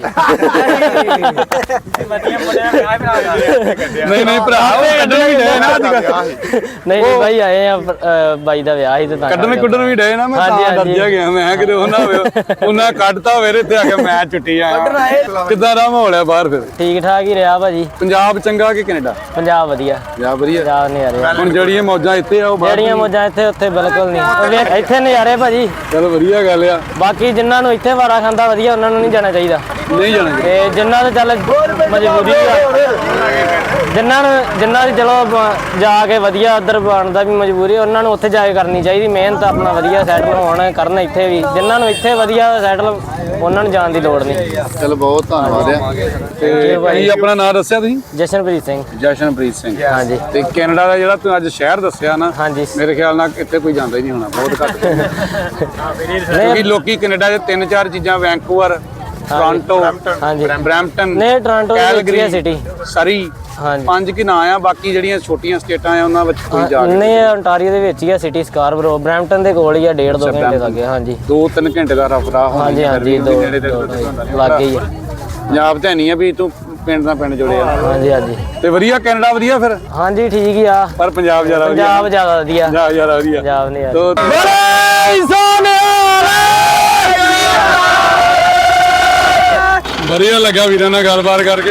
Speaker 2: ਨਹੀਂ ਨਹੀਂ ਭਰਾ, ਉਹ ਕੱਢਣ ਵੀ ਡਏ ਨਾ ਅੱਜ ਕੱਲ੍ਹ।
Speaker 1: ਨਹੀਂ ਨਹੀਂ ਭਾਈ ਆਏ ਆ, ਅ, ਬਾਈ ਦਾ ਵਿਆਹ ਸੀ ਤੇ ਤਾਂ
Speaker 2: ਕੱਢਣ ਕੁੱਢਣ ਵੀ ਡਏ ਨਾ, ਮੈਂ
Speaker 1: ਹਾਂਜੀ,
Speaker 2: ਤਾਂ
Speaker 1: ਹਾਂਜੀ।
Speaker 2: ਡਰਜਿਆ ਗਿਆ। ਮੈਂ ਕਿਤੇ ਉਹਨਾਂ ਹੋਵੇ ਉਹਨਾਂ ਕੱਢਤਾ ਹੋਵੇ ਇੱਥੇ ਆ ਕੇ ਮੈਂ ਛੁੱਟੀ ਆਇਆ। ਕਿੱਦਾਂ ਦਾ ਮਾਹੌਲ ਹੈ ਬਾਹਰ ਫਿਰ?
Speaker 1: ਠੀਕ ਠਾਕ ਹੀ ਰਿਹਾ ਭਾਜੀ।
Speaker 2: ਪੰਜਾਬ ਚੰਗਾ ਕਿ ਕੈਨੇਡਾ?
Speaker 1: ਪੰਜਾਬ ਵਧੀਆ।
Speaker 2: ਪੰਜਾਬ ਵਧੀਆ।
Speaker 1: ਪੰਜਾਬ ਨਜ਼ਾਰੇ।
Speaker 2: ਹੁਣ ਜਿਹੜੀਆਂ ਮੌਜਾਂ ਇੱਥੇ ਆ ਉਹ ਬਾਹਰ
Speaker 1: ਜਿਹੜੀਆਂ ਮੌਜਾਂ ਇੱਥੇ ਉੱਥੇ ਬਿਲਕੁਲ ਨਹੀਂ। ਉਹ ਵੇਖ ਇੱਥੇ ਨਜ਼ਾਰੇ ਭਾਜੀ।
Speaker 2: ਚਲੋ ਵਧੀਆ ਗੱਲ ਆ।
Speaker 1: ਬਾਕੀ ਜਿਨ੍ਹਾਂ ਨੂੰ ਇੱਥੇ ਵਾਰਾ ਖਾਂਦਾ ਵਧੀਆ, ਉਹਨਾਂ ਨੂੰ ਨਹੀਂ ਜਾਣਾ ਚਾਹੀਦਾ।
Speaker 2: ਨਹੀਂ ਜਾਣਾ ਜੀ।
Speaker 1: ਤੇ ਜਿਨ੍ਹਾਂ ਦੇ ਚੱਲ ਮਜਬੂਰੀ ਆ, ਜਿਨ੍ਹਾਂ ਨੂੰ ਜਿਨ੍ਹਾਂ ਦੀ ਚਲੋ ਬ- ਜਾ ਕੇ ਵਧੀਆ ਉੱਧਰ ਬਣਦਾ ਵੀ ਮਜਬੂਰੀ, ਉਹਨਾਂ ਨੂੰ ਉੱਥੇ ਜਾ ਕੇ ਕਰਨੀ ਚਾਹੀਦੀ ਮਿਹਨਤ, ਆਪਣਾ ਵਧੀਆ ਸੈਟਲ ਹੋਣ ਕਰਨ ਇੱਥੇ ਵੀ। ਜਿਨ੍ਹਾਂ ਨੂੰ ਇੱਥੇ ਵਧੀਆ ਸੈਟਲ, ਉਹਨਾਂ ਨੂੰ ਜਾਣ ਦੀ ਲੋੜ ਨਹੀਂ।
Speaker 2: ਚਲੋ ਬਹੁਤ ਧੰਨਵਾਦ ਆ। ਤੇ ਕੀ ਆਪਣਾ ਨਾਮ ਦੱਸਿਆ ਤੁਸੀਂ?
Speaker 1: ਜਸ਼ਨਪ੍ਰੀਤ ਸਿੰਘ।
Speaker 2: ਜਸ਼ਨਪ੍ਰੀਤ ਸਿੰਘ।
Speaker 1: ਹਾਂਜੀ।
Speaker 2: ਤੇ ਕੈਨੇਡਾ ਦਾ ਜਿਹੜਾ ਤੂੰ ਅੱਜ ਸ਼ਹਿਰ ਦੱਸਿਆ ਨਾ,
Speaker 1: ਹਾਂਜੀ।
Speaker 2: ਮੇਰੇ ਖਿਆਲ ਨਾਲ ਇੱਥੇ ਕੋਈ ਜਾਂਦਾ ਹੀ ਨਹੀਂ ਹੋਣਾ, ਬਹੁਤ ਘੱਟ। ਕਿਉਂਕਿ ਲੋਕੀ ਕੈਨੇਡਾ ਦੇ ਤਿੰਨ ਚਾਰ ਚੀਜ਼ਾਂ, ਵੈਂਕੂਵਰ, ਟੋਰਾਂਟੋ,
Speaker 1: ਹਾਂਜੀ।
Speaker 2: ਬਰੈਂਪਟਨ,
Speaker 1: ਨਹੀਂ ਟੋਰਾਂਟੋ
Speaker 2: ਕੈਲਗਰੀ,
Speaker 1: ਸਿਟੀ।
Speaker 2: ਸਰੀ,
Speaker 1: ਹਾਂਜੀ।
Speaker 2: ਪੰਜ ਕੀ ਨਾਂ ਆ। ਬਾਕੀ ਜਿਹੜੀਆਂ ਛੋਟੀਆਂ ਸਟੇਟਾਂ ਆ ਉਹਨਾਂ ਵਿੱਚ ਕੋਈ ਜਾ
Speaker 1: ਨਹੀਂ ਇਹ ontario ਦੇ ਵਿੱਚ ਹੀ ਆ ਸਿਟੀ, ਸਕਾਰਬਰੋ। ਬਰੈਂਪਟਨ ਦੇ ਕੋਲ ਹੀ ਆ, ਡੇਢ ਦੋ ਘੰਟੇ ਲੱਗੇ। ਹਾਂਜੀ
Speaker 2: ਦੋ ਤਿੰਨ ਘੰਟੇ ਦਾ ਰਫਰਾ ਹੋਣਾ।
Speaker 1: ਹਾਂਜੀ ਹਾਂਜੀ ਦੋ ਲੱਗ ਗਈ ਆ।
Speaker 2: ਪੰਜਾਬ ਤੇ ਨਹੀਂ ਆ ਵੀ ਤੂੰ ਪਿੰਡ ਦਾ ਪਿੰਡ ਜੁੜਿਆ।
Speaker 1: ਹਾਂਜੀ ਹਾਂਜੀ।
Speaker 2: ਤੇ ਵਧੀਆ ਕੈਨੇਡਾ ਵਧੀਆ ਫਿਰ,
Speaker 1: ਹਾਂਜੀ ਠੀਕ ਹੀ ਆ।
Speaker 2: ਪਰ ਪੰਜਾਬ ਜ਼ਿਆਦਾ ਵਧੀਆ।
Speaker 1: ਪੰਜਾਬ ਜ਼ਿਆਦਾ ਵਧੀਆ।
Speaker 2: ਪੰਜਾਬ ਜ਼ਿਆਦਾ ਵਧੀਆ।
Speaker 1: ਪੰਜਾਬ ਨੇ
Speaker 2: ਤੋ ਵਧੀਆ ਲੱਗਾ ਵੀਰਾਂ ਨਾਲ ਗੱਲਬਾਤ ਕਰਕੇ।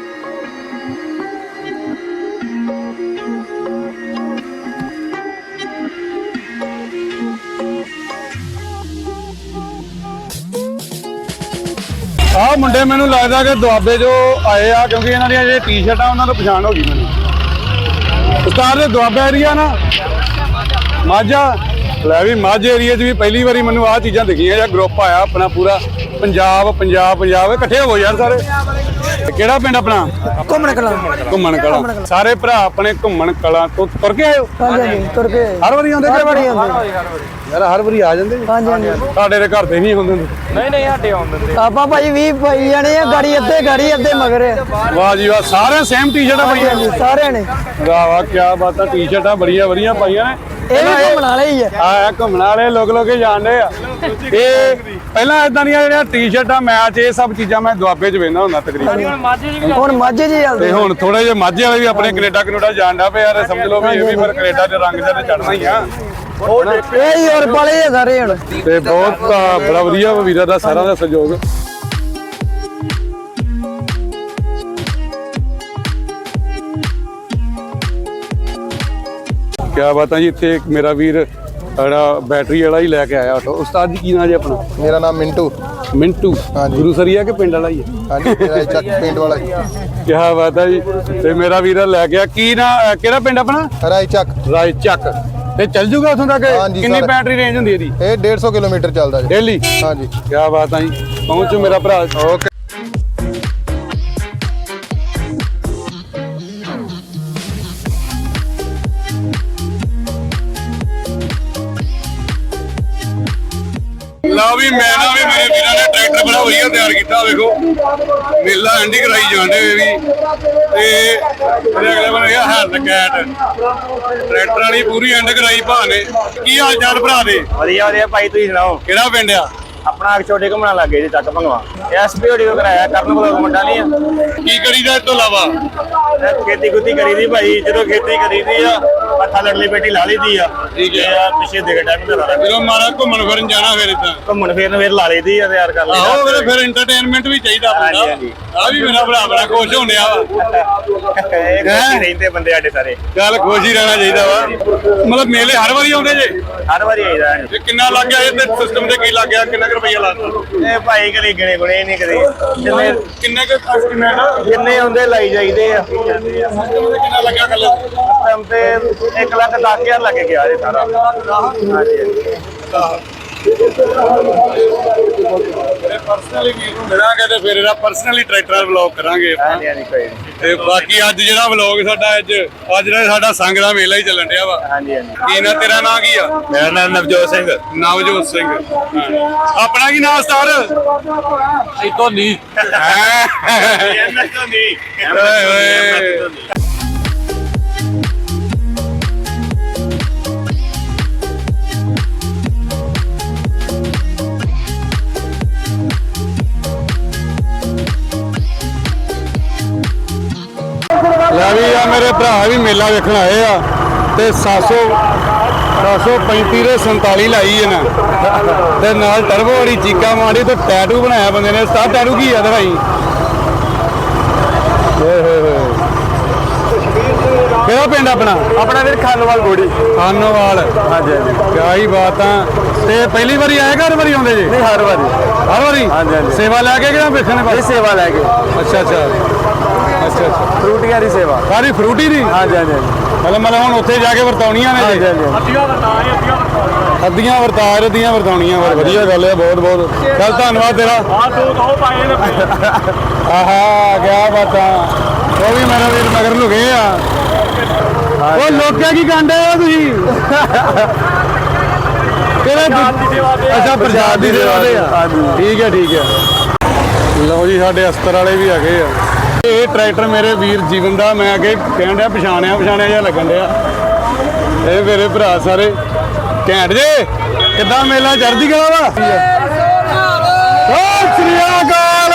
Speaker 2: ਆਹ ਮੁੰਡੇ ਮੈਨੂੰ ਲੱਗਦਾ ਕਿ ਦੁਆਬੇ ਜੋ ਆਏ ਆ, ਕਿਉਂਕਿ ਇਹਨਾਂ ਦੀਆਂ ਜਿਹੜੇ ਟੀ-ਸ਼ਰਟਾਂ ਉਹਨਾਂ ਤੋਂ ਪਛਾਣ ਹੋ ਗਈ ਮੈਨੂੰ। ਉਸਤਾਦ ਦੇ ਦੁਆਬਾ ਏਰੀਆ ਨਾ, ਮਾਝਾ ਲੈ ਵੀ ਮਾਝੇ ਏਰੀਆ 'ਚ ਵੀ ਪਹਿਲੀ ਵਾਰੀ ਮੈਨੂੰ ਆਹ ਚੀਜ਼ਾਂ ਦਿਖੀਆਂ ਜਾਂ ਗਰੁੱਪ ਆਇਆ ਆਪਣਾ ਪੂਰਾ ਪੰਜਾਬ ਪੰਜਾਬ ਪੰਜਾਬ ਇਕੱਠੇ ਹੋ ਯਾਰ ਸਾਰੇ। ਤੇ ਕਿਹੜਾ ਪਿੰਡ ਆਪਣਾ?
Speaker 3: ਘੁੰਮਣ ਕਲਾ।
Speaker 2: ਘੁੰਮਣ ਕਲਾਂ। ਸਾਰੇ ਭਰਾ ਆਪਣੇ ਘੁੰਮਣ ਕਲਾਂ ਤੋਂ ਤੁਰ ਕੇ ਆਏ ਹੋ?
Speaker 3: ਹਾਂਜੀ ਤੁਰ ਕੇ
Speaker 2: ਹਰ ਵਾਰੀ ਆਉਂਦੇ?
Speaker 3: ਹਰ ਵਾਰੀ ਆਉਂਦੇ।
Speaker 2: ਯਾਰ ਹਰ ਵਾਰੀ ਆ ਜਾਂਦੇ?
Speaker 3: ਹਾਂਜੀ ਹਾਂਜੀ।
Speaker 2: ਸਾਡੇ ਦੇ ਘਰ ਤੇ ਨਹੀਂ ਹੁੰਦੇ।
Speaker 1: ਨਹੀਂ ਨਹੀਂ ਸਾਡੇ ਆਉਂਦੇ।
Speaker 3: ਆਪਾਂ ਭਾਈ ਵੀਹ ਭਾਈ ਜਾਣੇ ਆ, ਗਾੜੀ ਅੱਧੇ ਗਾੜੀ ਅੱਧੇ ਮਗਰ ਆ।
Speaker 2: ਵਾਹ ਜੀ ਵਾਹ, ਸਾਰੇ ਸੇਮ ਟੀ-ਸ਼ਰਟਾਂ ਪਾਈਆਂ।
Speaker 3: ਹਾਂਜੀ ਸਾਰਿਆਂ ਨੇ।
Speaker 2: ਵਾਹ ਵਾਹ ਕੀ ਬਾਤ ਆ, ਟੀ-ਸ਼ਰਟਾਂ ਬੜੀਆਂ ਵਧੀਆ ਪਾਈਆਂ ਨੇ।
Speaker 3: ਇਹ ਵੀ ਘੁੰਮਣ ਵਾਲੇ ਹੀ ਆ।
Speaker 2: ਆ ਘੁੰਮਣ ਵਾਲੇ ਲੋਕ ਲੋਕੇ ਜਾਣਦੇ ਆ। ਇਹ ਪਹਿਲਾਂ ਇਦਾਂ ਦੀਆਂ ਜਿਹੜੀਆਂ ਟੀ-ਸ਼ਰਟਾਂ, ਮੈਚ, ਇਹ ਸਭ ਚੀਜ਼ਾਂ ਮੈਂ ਦੁਆਬੇ 'ਚ ਵੇਖਦਾ ਹੁੰਦਾ ਤਕਰੀਬਨ।
Speaker 3: ਹੁਣ ਮਾਝੇ ਜੀ ਚੱਲਦੇ।
Speaker 2: ਤੇ ਹੁਣ ਥੋੜੇ ਜਿਹੇ ਮਾਝੇ ਵਾਲੇ ਵੀ ਆਪਣੇ ਕੈਨੇਡਾ ਕੈਨੇਡਾ ਜਾਣਦਾ ਪਿਆ ਯਾਰ, ਸਮਝ ਲਓ ਵੀ ਇਹ ਵੀ ਫਿਰ ਕੈਨੇਡਾ 'ਚ ਰੰਗ ਤੇ ਚੜਨਾ ਹੀ ਆ।
Speaker 3: ਇਹ ਯੂਰਪ ਵਾਲੇ ਆ ਸਾਰੇ ਹੁਣ।
Speaker 2: ਤੇ ਬਹੁਤ ਆ, ਬੜਾ ਵਧੀਆ ਵੀਰਾਂ ਦਾ ਸਾਰਾ ਦਾ ਸਹਿਯੋਗ। ਕਿਆ ਬਾਤਾਂ ਜੀ। ਇੱਥੇ ਇੱਕ ਮੇਰਾ ਵੀਰ ਜਿਹੜਾ ਬੈਟਰੀ ਵਾਲਾ ਹੀ ਲੈ ਕੇ ਆਇਆ ਆਟੋ। ਉਸਤਾਦ ਜੀ ਕੀ ਨਾਂ ਜੀ ਆਪਣਾ?
Speaker 5: ਮੇਰਾ ਨਾਮ ਮਿੰਟੂ।
Speaker 2: ਮਿੰਟੂ।
Speaker 5: ਹਾਂਜੀ।
Speaker 2: ਗੁਰੂ ਸਰੀਆ ਕਿ ਪਿੰਡ ਵਾਲਾ ਹੀ ਹੈ?
Speaker 5: ਹਾਂਜੀ ਮੇਰਾ ਚੱਕ ਪਿੰਡ ਵਾਲਾ ਜੀ।
Speaker 2: ਕਿਆ ਬਾਤ ਹੈ ਜੀ। ਤੇ ਮੇਰਾ ਵੀਰ ਲੈ ਗਿਆ ਕੀ ਨਾ, ਕਿਹੜਾ ਪਿੰਡ ਆਪਣਾ?
Speaker 5: ਰਾਈ ਚੱਕ।
Speaker 2: ਰਾਏ ਚੱਕ। ਤੇ ਚੱਲ ਜੂਗਾ ਉੱਥੋਂ ਤੱਕ?
Speaker 5: ਹਾਂਜੀ
Speaker 2: ਕਿੰਨੀ
Speaker 5: ਸਰ।
Speaker 2: ਬੈਟਰੀ ਰੇਂਜ ਹੁੰਦੀ ਇਹਦੀ?
Speaker 5: ਇਹ ਡੇਢ ਸੌ ਕਿਲੋਮੀਟਰ ਚੱਲਦਾ ਜੀ।
Speaker 2: ਡੇਲੀ?
Speaker 5: ਹਾਂਜੀ।
Speaker 2: ਕਿਆ ਬਾਤ ਹੈ ਜੀ। ਪਹੁੰਚੋ ਮੇਰਾ ਭਰਾ। ਓਕੇ। ਲਓ ਵੀ ਮੈਂ ਨਾ ਵੀ ਮੇਰੇ ਵੀਰਾਂ ਨੇ ਟਰੈਕਟਰ ਬੜਾ ਵਧੀਆ ਤਿਆਰ ਕੀਤਾ। ਵੇਖੋ ਮੇਲਾ ਐਂਡੀ ਕਰਾਈ ਜਾਂਦੇ ਹੋਏ ਵੀ। ਤੇ ਮੇਰੇ ਅਗਲੇ ਬੰਨੇ ਹੈਗਾ ਹੈਂਡ ਕੈਟ ਟਰੈਕਟਰ ਵਾਲੀ ਪੂਰੀ ਐਂਡ ਕਰਾਈ ਭਾ ਨੇ। ਕੀ ਹਾਲ ਚਾਲ ਭਰਾ ਦੇ?
Speaker 1: ਵਧੀਆ ਵਧੀਆ ਭਾਈ, ਤੁਸੀਂ ਸੁਣਾਓ?
Speaker 2: ਕਿਹੜਾ ਪਿੰਡ ਆ
Speaker 1: ਆਪਣਾ ਛੋਟੇ ਘੁੰਮਣਾ ਲੱਗੇ ਜੀ, ਚੱਕ ਭੰਗਵਾ। ਐਸਪੀਓਡੀ ਕੋ ਕਰਾਇਆ, ਕਰਨ ਕੋਲ ਮੁੰਡਾ ਨਹੀਂ ਆ।
Speaker 2: ਕੀ ਕਰੀਦਾ ਇਸ ਤੋਂ ਇਲਾਵਾ?
Speaker 1: ਖੇਤੀ ਖੁੱਤੀ ਕਰੀਦੀ ਭਾਈ, ਜਦੋਂ ਖੇਤੀ ਕਰੀਦੀ ਆ ਪੱਠਾ ਲੜਲੀ ਬੇਟੀ ਲਾ ਲਈਦੀ ਆ।
Speaker 2: ਠੀਕ ਹੈ।
Speaker 1: ਆ ਪਿੱਛੇ ਦੇ ਟਾਈਮ ਤੇ ਲਾ
Speaker 2: ਜਦੋਂ ਮਾਰਾ ਘੁੰਮਣ ਫਿਰਨ ਜਾਣਾ ਫਿਰ ਇਦਾਂ
Speaker 1: ਘੁੰਮਣ ਫੇਰਨ ਫੇਰ ਲਾ ਲਈਦੀ ਆ, ਤਿਆਰ ਕਰ
Speaker 2: ਆਹੋ
Speaker 1: ਲਈਦਾ।
Speaker 2: ਫਿਰ ਫਿਰ ਐਂਟਰਟੇਨਮੈਂਟ ਵੀ ਚਾਹੀਦਾ
Speaker 1: ਹਾਂਜੀ,
Speaker 2: ਬੰਦਾ।
Speaker 1: ਹਾਂਜੀ।
Speaker 2: ਆ ਵੀ ਮੇਰਾ ਭਰਾ ਬੜਾ ਖੁਸ਼ ਹੋਣਿਆ ਵਾ।
Speaker 1: ਇਹ ਖੁਸ਼ੀ ਰਹਿੰਦੇ ਬੰਦੇ ਸਾਡੇ ਸਾਰੇ।
Speaker 2: ਚੱਲ ਖੁਸ਼ ਹੀ ਰਹਿਣਾ ਚਾਹੀਦਾ ਵਾ। ਮਤਲਬ ਮੇਲੇ ਹਰ ਵਾਰੀ ਆਉਂਦੇ ਜੇ?
Speaker 1: ਹਰ ਵਾਰੀ ਆਈਦਾ ਹੈ।
Speaker 2: ਤੇ ਕਿੰਨਾ ਲੱਗ ਗਿਆ ਇਹ ਤੇ ਸਿਸਟਮ ਤੇ ਕੀ ਲੱਗ ਗਿਆ? ਕਿੰਨਾ ਕੁ ਰੁਪਈਆ ਲਾਤਾ?
Speaker 1: ਇਹ ਭਾਈ ਕਦੇ ਗਣੇ ਗੁਣੇ ਨਹੀਂ ਕਦੇ। ਜਿੰਨੇ
Speaker 2: ਕਿੰਨੇ ਕੁ ਐਸਟੀਮੇਟ
Speaker 1: ਜਿੰਨੇ ਆਉਂਦੇ ਲਾਈ ਜਾਈਦੇ ਆ।
Speaker 2: ਸਿਸਟਮ ਤੇ ਕਿੰਨਾ ਲੱਗਿਆ ਕੱਲ?
Speaker 1: ਟਾਈਮ ਤੇ ਇੱਕ ਲੱਖ ਦਸ ਹਜ਼ਾਰ ਲੱਗ ਗਿਆ ਇਹ ਸਾਰਾ। ਹਾਂਜੀ
Speaker 2: ਪਰਸਨਲੀ ਵੀਰ ਨੂੰ ਮਿਲਾਂਗੇ ਤੇ ਫਿਰ ਇਹਦਾ ਪਰਸਨਲੀ ਟਰੈਕਟਰ ਵਲੌਗ ਕਰਾਂਗੇ
Speaker 4: ਹਾਂਜੀ ਹਾਂਜੀ ਕੋਈ ਨਹੀਂ
Speaker 2: ਤੇ ਬਾਕੀ ਅੱਜ ਜਿਹੜਾ ਵਲੌਗ ਸਾਡਾ ਅੱਜ ਅੱਜ ਜਿਹੜਾ ਸਾਡਾ ਸੰਗ ਦਾ ਮੇਲਾ ਹੀ ਚੱਲਣ ਡਿਆ ਵਾ।
Speaker 4: ਹਾਂਜੀ ਹਾਂਜੀ
Speaker 2: ਕੀ ਨਾ ਤੇਰਾ ਨਾਂ ਕੀ ਆ?
Speaker 4: ਮੇਰਾ ਨਾਮ ਨਵਜੋਤ ਸਿੰਘ।
Speaker 2: ਨਵਜੋਤ ਸਿੰਘ। ਆਪਣਾ ਕੀ ਨਾਮ ਸਟਾਰ?
Speaker 3: ਧੋਨੀ
Speaker 2: ਓਏ ਓਏ ਲੈ ਵੀ ਆ ਮੇਰੇ ਭਰਾ ਵੀ ਮੇਲਾ ਵੇਖਣ ਆਏ ਆ ਤੇ ਸੱਤ ਸੌ ਸੱਤ ਸੌ ਪੈਂਤੀ ਦੇ ਸੰਤਾਲੀ ਲਾਈ ਇਹਨਾਂ ਤੇ ਨਾਲ ਟਰਬੋ ਵਾਲੀ ਚੀਕਾ ਮਾਰੀ ਤੇ ਟੈਟੂ ਬਣਾਇਆ ਬੰਦੇ ਨੇ। ਸਟਾਰ ਟੈਟੂ ਕੀ ਆ ਦਿਖਾਈ। ਓਏ ਹੋਏ ਹੋਏ ਕਿਹੜਾ ਪਿੰਡ ਆਪਣਾ?
Speaker 4: ਆਪਣਾ ਵੀਰ ਖਾਨੋਵਾਲ ਗੋੜੀ।
Speaker 2: ਖਾਨੋਵਾਲ।
Speaker 4: ਹਾਂਜੀ ਹਾਂਜੀ
Speaker 2: ਕਿਆ ਹੀ ਬਾਤ ਆ। ਤੇ ਪਹਿਲੀ ਵਾਰੀ ਆਏ ਘਰ ਵਾਰੀ ਆਉਂਦੇ ਜੀ?
Speaker 4: ਨਹੀਂ ਹਰ ਵਾਰੀ
Speaker 2: ਹਰ ਵਾਰੀ?
Speaker 4: ਹਾਂਜੀ ਹਾਂਜੀ
Speaker 2: ਸੇਵਾ ਲੈ ਕੇ ਕਿਹੜਾ ਵੇਖਣ
Speaker 4: ਇਹ
Speaker 2: ਬਸ?
Speaker 4: ਸੇਵਾ ਲੈ ਕੇ
Speaker 2: ਅੱਛਾ ਅੱਛਾ ਅੱਛਾ ਅੱਛਾ
Speaker 4: ਫਰੂਟੀਆਂ ਦੀ ਸੇਵਾ।
Speaker 2: ਸਾਰੀ ਫਰੂਟੀ ਦੀ?
Speaker 4: ਹਾਂਜੀ ਹਾਂਜੀ
Speaker 2: ਮਤਲਬ ਮਤਲਬ ਹੁਣ ਉੱਥੇ ਜਾ ਕੇ ਵਰਤਾਉਣੀਆਂ ਨੇ
Speaker 4: ਹਾਂਜੀ
Speaker 2: ਜੀ?
Speaker 4: ਹਾਂਜੀ
Speaker 2: ਅੱਧੀਆਂ ਵਰਤਾ ਰਦੀਆਂ ਵਰਤਾਉਣੀਆਂ। ਪਰ ਵਧੀਆ ਗੱਲ ਹੈ, ਬਹੁਤ ਬਹੁਤ ਚੱਲ ਧੰਨਵਾਦ ਤੇਰਾ।
Speaker 3: ਆ ਦੋ ਦੋ ਪਾਏ ਨੇ
Speaker 2: ਆਹਾ ਕਿਆ ਬਾਤਾਂ। ਉਹ ਵੀ ਮੇਰਾ ਵੀਰ ਮਗਰ ਲੁਕੇ ਆ। ਉਹ ਲੋਕਾਂ ਕੀ ਕਾਂਡੇ ਹੋ ਤੁਸੀਂ? ਕਿਹੜੇ ਅੱਛਾ ਪ੍ਰਸ਼ਾਦ ਦੀ ਸੇਵਾ ਦੇ ਆ। ਠੀਕ ਹੈ ਠੀਕ ਹੈ। ਲਓ ਜੀ ਸਾਡੇ ਅਸਤਰ ਵਾਲੇ ਵੀ ਹੈਗੇ ਆ। ਇਹ ਟਰੈਕਟਰ ਮੇਰੇ ਵੀਰ ਜੀਵਨ ਦਾ, ਮੈਂ ਅੱਗੇ ਕਹਿਣ ਡਿਆ ਪਛਾਣਿਆ ਪਛਾਣਿਆ ਜਿਹਾ ਲੱਗਣ ਡਿਆ। ਇਹ ਮੇਰੇ ਭਰਾ ਸਾਰੇ ਘੈਂਟ ਜੇ। ਕਿੱਦਾਂ ਮੇਲਾ ਚੜ੍ਹਦੀ ਕਲਾ ਵਾ? ਸਤਿ ਸ੍ਰੀ ਅਕਾਲ।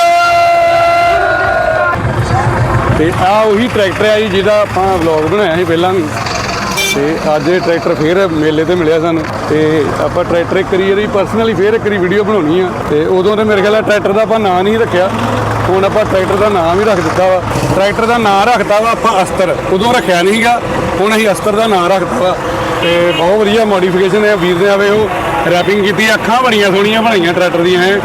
Speaker 2: ਤੇ ਆ ਉਹੀ ਟਰੈਕਟਰ ਆ ਜੀ ਜਿਹਦਾ ਆਪਾਂ ਵਲੌਗ ਬਣਾਇਆ ਸੀ ਪਹਿਲਾਂ ਵੀ। ਤੇ ਅੱਜ ਇਹ ਟਰੈਕਟਰ ਫੇਰ ਮੇਲੇ ਤੇ ਮਿਲਿਆ ਸਾਨੂੰ ਤੇ ਆਪਾਂ ਟਰੈਕਟਰ ਇੱਕ ਵਾਰੀ ਇਹਦੀ ਪਰਸਨਲੀ ਫੇਰ ਇੱਕ ਵਾਰੀ ਵੀਡੀਓ ਬਣਾਉਣੀ ਆ। ਤੇ ਉਦੋਂ ਤੇ ਮੇਰੇ ਖਿਆਲ ਟਰੈਕਟਰ ਦਾ ਆਪਾਂ ਨਾਂ ਨਹੀਂ ਰੱਖਿਆ, ਹੁਣ ਆਪਾਂ ਟਰੈਕਟਰ ਦਾ ਨਾਮ ਵੀ ਰੱਖ ਦਿੱਤਾ ਵਾ। ਟਰੈਕਟਰ ਦਾ ਨਾਂ ਰੱਖਤਾ ਵਾ ਆਪਾਂ ਅਸਤਰ। ਉਦੋਂ ਰੱਖਿਆ ਨਹੀਂ ਸੀਗਾ, ਹੁਣ ਅਸੀਂ ਅਸਤਰ ਦਾ ਨਾਂ ਰੱਖਤਾ ਵਾ। ਤੇ ਬਹੁਤ ਵਧੀਆ ਮੋਡੀਫਿਕੇਸ਼ਨ ਹੈ ਵੀਰ ਨੇ। ਆਵੇ ਉਹ ਰੈਪਿੰਗ ਕੀਤੀ, ਅੱਖਾਂ ਬੜੀਆਂ ਸੋਹਣੀਆਂ ਬਣਾਈਆਂ ਟਰੈਕਟਰ ਦੀਆਂ ਹੈ।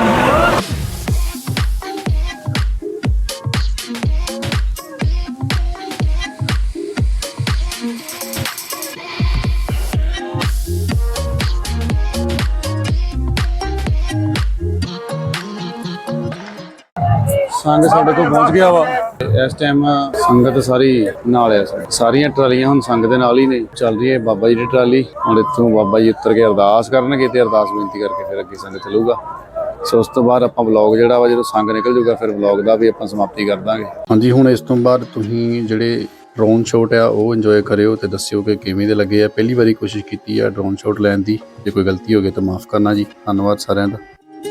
Speaker 2: ਸੰਗ ਸਾਡੇ ਕੋਲ ਪਹੁੰਚ ਗਿਆ ਵਾ। ਇਸ ਟਾਈਮ ਸੰਗਤ ਸਾਰੀ ਨਾਲ ਆ। ਸਾਰੀਆਂ ਟਰਾਲੀਆਂ ਹੁਣ ਸੰਗ ਦੇ ਨਾਲ ਹੀ ਨੇ। ਚੱਲ ਰਹੀ ਹੈ ਬਾਬਾ ਜੀ ਦੀ ਟਰਾਲੀ। ਹੁਣ ਇੱਥੋਂ ਬਾਬਾ ਜੀ ਉੱਤਰ ਕੇ ਅਰਦਾਸ ਕਰਨਗੇ ਤੇ ਅਰਦਾਸ ਬੇਨਤੀ ਕਰਕੇ ਫਿਰ ਅੱਗੇ ਸੰਗ ਚੱਲੂਗਾ। ਸੋ ਉਸ ਤੋਂ ਬਾਅਦ ਆਪਾਂ ਵਲੌਗ ਜਿਹੜਾ ਵਾ ਜਦੋਂ ਸੰਗ ਨਿਕਲ ਜੂਗਾ ਫਿਰ ਵਲੌਗ ਦਾ ਵੀ ਆਪਾਂ ਸਮਾਪਤੀ ਕਰ ਦਾਂਗੇ। ਹਾਂਜੀ ਹੁਣ ਇਸ ਤੋਂ ਬਾਅਦ ਤੁਸੀਂ ਜਿਹੜੇ ਡਰੋਨ ਸ਼ਾਟ ਆ ਉਹ ਇੰਜੋਏ ਕਰਿਓ ਤੇ ਦੱਸਿਓ ਕਿ ਕਿਵੇਂ ਦੇ ਲੱਗੇ ਆ। ਪਹਿਲੀ ਵਾਰੀ ਕੋਸ਼ਿਸ਼ ਕੀਤੀ ਆ ਡਰੋਨ ਸ਼ਾਟ ਲੈਣ ਦੀ। ਜੇ ਕੋਈ ਗਲਤੀ ਹੋ ਗਈ ਤਾਂ ਮਾਫ ਕਰਨਾ ਜੀ। ਧੰਨਵਾਦ ਸਾਰਿਆਂ ਦਾ।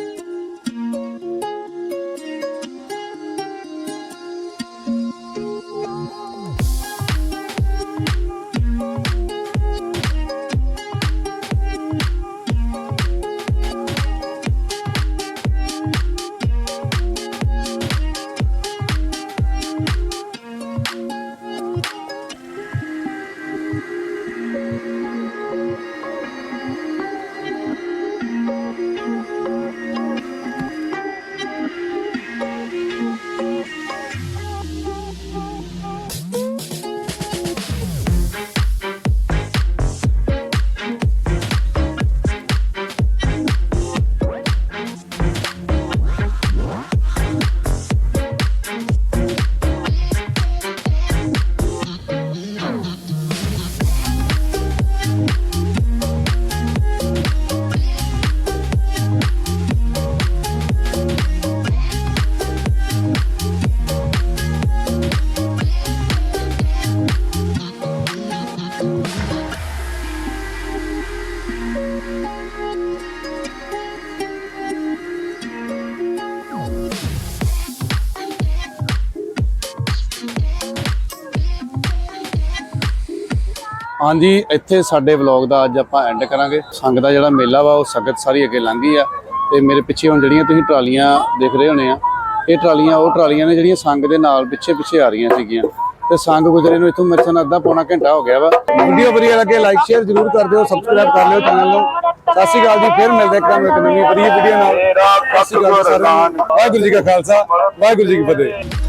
Speaker 2: ਹਾਂਜੀ ਇੱਥੇ ਸਾਡੇ ਵਲੌਗ ਦਾ ਅੱਜ ਆਪਾਂ ਐਂਡ ਕਰਾਂਗੇ। ਸੰਗ ਦਾ ਜਿਹੜਾ ਮੇਲਾ ਵਾ ਉਹ ਸੰਗਤ ਸਾਰੀ ਅੱਗੇ ਲੰਘ ਗਈ ਆ ਤੇ ਮੇਰੇ ਪਿੱਛੇ ਹੁਣ ਜਿਹੜੀਆਂ ਤੁਸੀਂ ਟਰਾਲੀਆਂ ਦੇਖ ਰਹੇ ਹੋਣੇ ਆ, ਇਹ ਟਰਾਲੀਆਂ ਉਹ ਟਰਾਲੀਆਂ ਨੇ ਜਿਹੜੀਆਂ ਸੰਗ ਦੇ ਨਾਲ ਪਿੱਛੇ ਪਿੱਛੇ ਆ ਰਹੀਆਂ ਸੀਗੀਆਂ ਤੇ ਸੰਗ ਗੁਜ਼ਰੇ ਨੂੰ ਇੱਥੋਂ ਮੇਰੇ ਸਾਨ ਅੱਧਾ ਪੌਣਾ ਘੰਟਾ ਹੋ ਗਿਆ ਵਾ। ਵੀਡੀਓ ਵਧੀਆ ਲੱਗੇ ਲਾਈਕ ਸ਼ੇਅਰ ਜ਼ਰੂਰ ਕਰ ਦਿਓ, ਸਬਸਕ੍ਰਾਈਬ ਕਰ ਲਿਓ ਚੈਨਲ ਨੂੰ। ਸਤਿ ਸ਼੍ਰੀ ਅਕਾਲ ਜੀ, ਫਿਰ ਮਿਲਦੇ ਹਾਂ ਇੱਕ ਨਵੀਂ ਵਧੀਆ ਵੀਡੀਓ ਨਾਲ। ਸਤਿ ਸ਼੍ਰੀ ਅਕਾਲ ਸਾਰਿਆਂ ਨੂੰ। ਵਾਹਿਗੁਰੂ ਜੀ ਕਾ ਖਾਲਸਾ, ਵਾਹਿਗੁਰੂ ਜੀ ਕੀ ਫਤਿਹ।